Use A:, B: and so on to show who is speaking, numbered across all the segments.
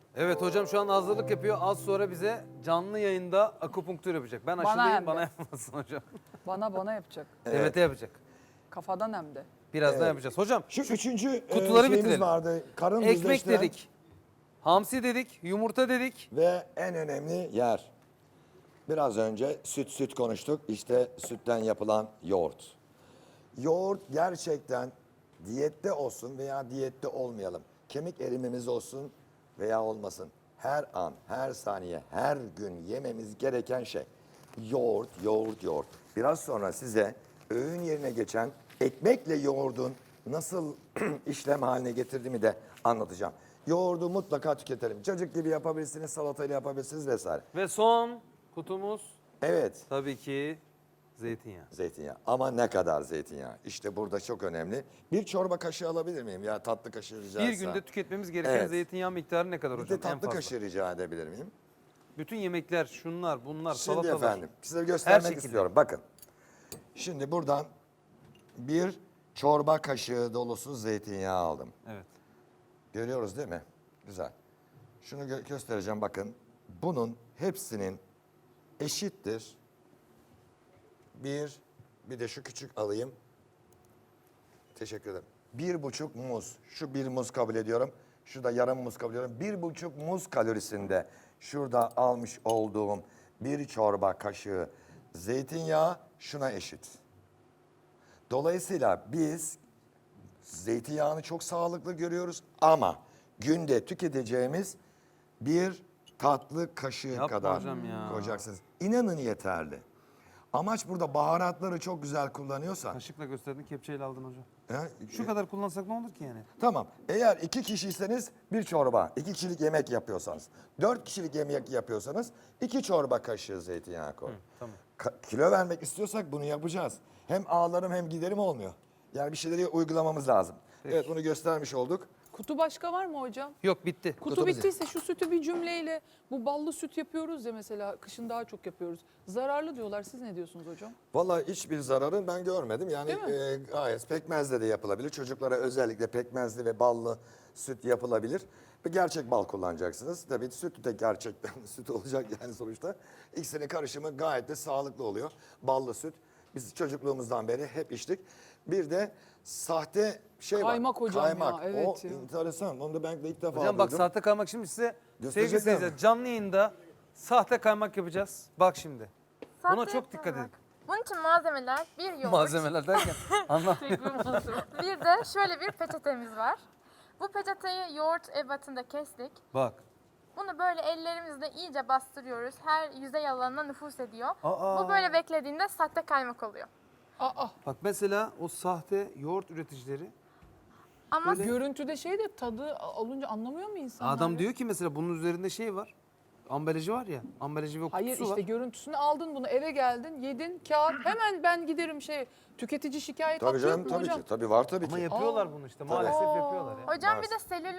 A: Evet hocam şu an hazırlık yapıyor. Az sonra bize canlı yayında akupunktur yapacak. Ben
B: Bana
A: aşılıyım
B: hem de.
A: bana yapmasın hocam.
B: Bana yapacak.
A: Evet yapacak.
B: Kafadan hem de.
A: Birazdan yapacağız. Hocam
C: Şu üçüncü
A: kutuları
C: şeyimiz
A: bitirelim.
C: vardı. Karın
A: ekmek
C: düzleştiren
A: dedik. Hamsi dedik. Yumurta dedik.
C: ve en önemli yer. Biraz önce süt konuştuk. İşte sütten yapılan yoğurt. Yoğurt gerçekten diyette olsun veya diyette olmayalım. Kemik erimimiz olsun veya olmasın. Her an, her saniye, her gün yememiz gereken şey. Yoğurt, yoğurt, yoğurt. Biraz sonra size öğün yerine geçen ekmekle yoğurdun nasıl işlem haline getirdiğimi de anlatacağım. Yoğurdu mutlaka tüketelim. Çocuk gibi yapabilirsiniz, salatayla yapabilirsiniz vesaire.
A: Ve son kutumuz
C: Evet.
A: tabii ki zeytinyağı.
C: Zeytinyağı. Ama ne kadar zeytinyağı? İşte burada çok önemli. Bir çorba kaşığı alabilir miyim? Ya tatlı kaşığı rica
A: Bir
C: etsem.
A: günde tüketmemiz gereken
C: Evet.
A: zeytinyağı miktarı ne kadar
C: Bir
A: hocam?
C: de
A: En
C: tatlı
A: fazla.
C: kaşığı rica edebilir miyim?
A: Bütün yemekler şunlar bunlar
C: Şimdi
A: salatalar.
C: efendim size
A: Her
C: göstermek
A: şekilde.
C: istiyorum. Bakın. Şimdi buradan bir çorba kaşığı dolusu zeytinyağı aldım.
A: Evet.
C: Görüyoruz değil mi? Güzel. Şunu göstereceğim bakın. Bunun hepsinin eşittir. Bir de şu küçük alayım. Teşekkür ederim. 1,5 muz. Şu bir muz kabul ediyorum. Şu da yarım muz kabul ediyorum. 1,5 muz kalorisinde şurada almış olduğum bir çorba kaşığı zeytinyağı şuna eşit. Dolayısıyla biz zeytinyağını çok sağlıklı görüyoruz ama günde tüketeceğimiz bir tatlı kaşığı
A: Yapma
C: kadar
A: hocam ya.
C: koyacaksınız. İnanın yeterli. Amaç burada baharatları çok güzel kullanıyorsan.
A: Kaşıkla gösterdin kepçeyle aldın hocam.
C: He,
A: Şu kadar kullansak ne olur ki yani?
C: Tamam. Eğer 2 kişiyseniz bir çorba, 2 kişilik yemek yapıyorsanız, 4 kişilik yemek yapıyorsanız 2 çorba kaşığı zeytinyağı koy.
A: Tamam.
C: Kilo vermek istiyorsak bunu yapacağız. Hem ağlarım hem giderim olmuyor. Yani bir şeyleri uygulamamız lazım. Evet bunu göstermiş olduk.
B: Kutu başka var mı hocam?
A: Yok bitti.
B: Kutu bittiyse şu sütü bir cümleyle, bu ballı süt yapıyoruz ya mesela, kışın daha çok yapıyoruz. Zararlı diyorlar, siz ne diyorsunuz hocam?
C: Vallahi hiçbir zararını ben görmedim. Yani
B: Değil mi?
C: gayet pekmezle de yapılabilir. Çocuklara özellikle pekmezli ve ballı süt yapılabilir. Ve gerçek bal kullanacaksınız. Tabii süt de gerçekten süt olacak yani sonuçta. İkisinin karışımı gayet de sağlıklı oluyor. Ballı süt. Biz çocukluğumuzdan beri hep içtik. Bir de sahte şey
B: Kaymak
C: var.
B: hocam ya,
C: Kaymak.
B: evet
C: O
B: ya.
C: enteresan. Onu da ben de ilk defa
A: Hocam bak
C: duydum.
A: sahte kaymak şimdi size
C: Gösterecekler
A: sevgili seyirciler
C: mi?
A: canlı yayında sahte kaymak yapacağız. Bak şimdi. Buna
D: Sahte
A: çok dikkat edin.
D: Bunun için malzemeler bir yoğurt,
A: Malzemeler derken anlamıyorum.
D: bir de şöyle bir peçetemiz var. Bu peçeteyi yoğurt ebatında kestik.
A: Bak.
D: Bunu böyle ellerimizle iyice bastırıyoruz. Her yüzey alanına nüfuz ediyor.
A: Aa.
D: Bu böyle beklediğinde sahte kaymak oluyor.
B: Aa,
A: Bak mesela o sahte yoğurt üreticileri
D: Ama
B: görüntüde şey de tadı alınca anlamıyor mu insanlar?
A: adam
B: ya?
A: diyor ki mesela bunun üzerinde şey var. Ambalajı var ya. Ambalajı ve kutusu
B: Hayır işte
A: var.
B: görüntüsünü aldın bunu, eve geldin, yedin, kağıt, hemen ben giderim tüketici şikayet
C: Tabii
B: hakkı
C: canım
B: yok mu
C: tabii
B: hocam?
C: ki. Tabii var tabii
A: Ama
C: ki.
A: yapıyorlar bunu işte. Maalesef yapıyorlar ya.
D: hocam
C: Var.
D: bir de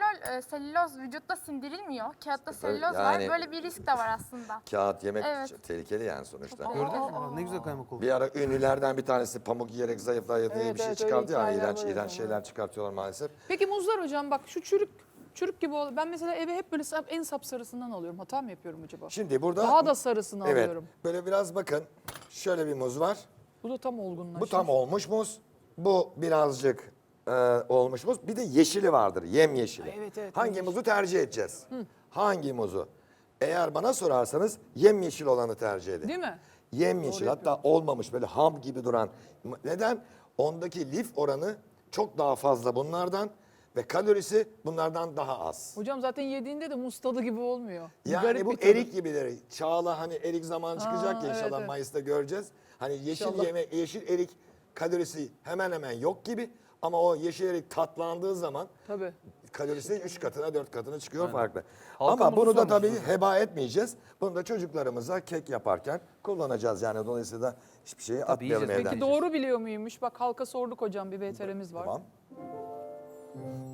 D: selüloz vücutta sindirilmiyor. Kağıtta selüloz
C: yani-
D: var. Böyle bir risk de var aslında.
C: Kağıt yemek
D: Evet.
C: tehlikeli yani sonuçta.
A: Gördünüz mü? Bak ne güzel kaymak oldu.
C: Bir ara ünlülerden bir tanesi pamuk yiyerek zayıfladı diye
B: Evet,
C: bir şey
B: evet,
C: çıkardı
B: öyle
C: ya.
B: hikayeler
C: İğrenç,
B: var
C: iğrenç
B: hocam,
C: şeyler çıkartıyorlar maalesef.
B: Peki muzlar hocam, bak şu çürük gibi oluyor. Ben mesela eve hep böyle en sapsarısından alıyorum. Hata mı yapıyorum acaba?
C: Şimdi burada...
B: Daha da sarısını
C: evet,
B: alıyorum.
C: böyle biraz bakın. Şöyle bir muz var.
B: Bu da tam olgunlaşmış.
C: Bu tam olmuş muz. Bu birazcık olmuş muz. Bir de yeşili vardır. Yemyeşili.
B: Evet, evet,
C: Hangi
B: yeşil.
C: muzu tercih edeceğiz? Hangi muzu? Eğer bana sorarsanız yemyeşil olanı tercih edin.
B: Değil mi?
C: Yemyeşil, hatta olmamış böyle ham gibi duran. Neden? Ondaki lif oranı çok daha fazla bunlardan ve kalorisi bunlardan daha az.
B: Hocam zaten yediğinde de muz tadı gibi olmuyor. Bir
C: Yani
B: garip
C: bu
B: bir tadı.
C: erik gibileri. Çağla hani erik zamanı çıkacak ya
B: evet,
C: inşallah
B: evet.
C: Mayıs'ta göreceğiz. Hani
B: İnşallah.
C: yeşil erik kalorisi hemen hemen yok gibi ama o yeşil erik tatlandığı zaman
B: Tabii.
C: kalorisi 3 katına 4 katına çıkıyor farklı.
A: Halka
C: Ama bunu
A: muzu
C: da
A: sormuşsunuz
C: tabii
A: hocam.
C: heba etmeyeceğiz. Bunu da çocuklarımıza kek yaparken kullanacağız. Yani dolayısıyla hiçbir şeyi atmayalım
A: yiyeceğiz.
C: evden.
B: Peki doğru biliyor muymuş? Bak halka sorduk hocam, bir VTR'miz var.
C: Tamam.